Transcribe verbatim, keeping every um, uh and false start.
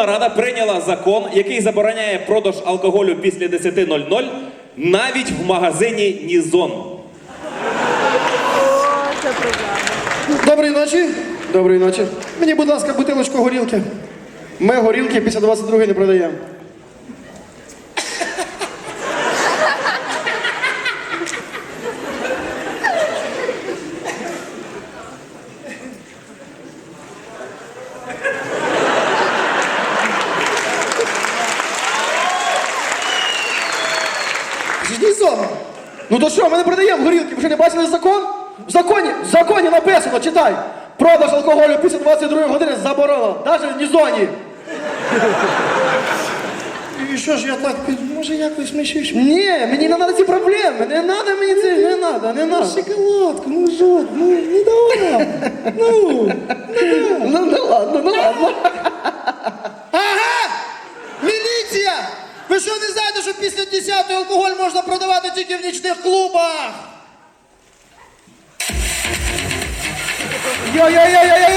Верховна Рада прийняла закон, який забороняє продаж алкоголю після десяти нуль-нуль навіть в магазині Нізон. Доброї ночі. Доброї ночі. Мені, будь ласка, бутилочку горілки. Ми горілки після двадцять другої не продаємо. Нізон. Ну то що, ми не продаємо горілки, ви що не бачили закон? В законі, в законі написано, читай. Продаж алкоголю після двадцять другої години заборонено, навіть в Нізоні. І що ж я так, може якось ми ще... Ні, мені не треба ці проблеми, не треба мені це, не треба, не треба. Шоколадку, ну жод, ну не давай, ну, ну, ну ладно, ну ладно. Ага! Міліція! Ви що не знаєте, що після десятої алкоголь можна продавати тільки в нічних клубах? Йо-йо-йо-йо-йо!